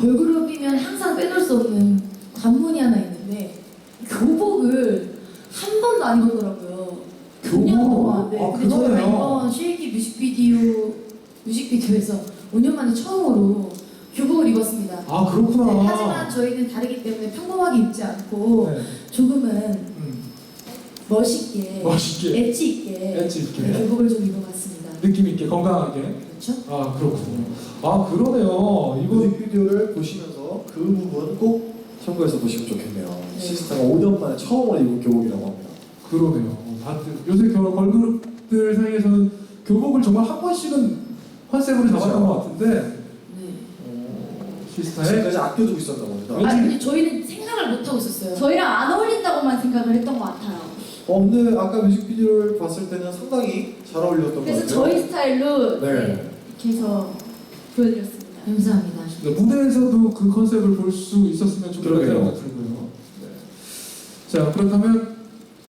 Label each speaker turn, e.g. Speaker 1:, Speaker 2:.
Speaker 1: 걸그룹이면 항상 빼놓을 수 없는 관문이 하나 있는데 교복을 한 번도 안 입었더라고요.
Speaker 2: 교복?
Speaker 1: 5년 동안. 네.
Speaker 2: 아,
Speaker 1: 근데 저희가
Speaker 2: 그러네요.
Speaker 1: 이번 쉐이키 뮤직비디오에서 5년 만에 처음으로 교복을 입었습니다.
Speaker 2: 아, 그렇구나.
Speaker 1: 네, 하지만 저희는 다르기 때문에 평범하게 입지 않고
Speaker 2: 네.
Speaker 1: 조금은 멋있게,
Speaker 2: 멋있게.
Speaker 1: 엣지 있게,
Speaker 2: 엣지 있게.
Speaker 1: 네, 교복을 좀 입어봤습니다.
Speaker 2: 느낌 있게 건강하게.
Speaker 1: 그렇죠?
Speaker 2: 아, 그렇군요. 아, 그러네요. 이거
Speaker 3: 뮤직비디오를 보시면서 그 부분 꼭 참고해서 보시면 좋겠네요.
Speaker 1: 네.
Speaker 3: 시스타가 5년 만에 처음으로 입은 교복이라고 합니다.
Speaker 2: 그러네요. 다들 요새 걸그룹들 사이에서는 교복을 정말 한 번씩은 컨셉으로 잡았던
Speaker 3: 그렇죠.
Speaker 2: 것 같은데
Speaker 1: 네.
Speaker 2: 시스타의
Speaker 3: 지금까지 아껴두고 있었나 봅니다.
Speaker 1: 아 근데 저희는 생각을 못 하고 있었어요.
Speaker 4: 저희랑 안 어울린다고만 생각을 했던 것 같아요.
Speaker 3: 근데 아까 뮤직비디오를 봤을 때는 상당히 잘 어울렸던 것
Speaker 4: 그래서
Speaker 3: 같아요.
Speaker 4: 저희 스타일로
Speaker 3: 네.
Speaker 4: 이렇게 해서 보여드렸습니다.
Speaker 1: 감사합니다.
Speaker 2: 무대에서도 그 컨셉을 볼 수 있었으면 좋겠다는
Speaker 3: 그러게요.
Speaker 2: 생각이 들고요. 네. 자, 그렇다면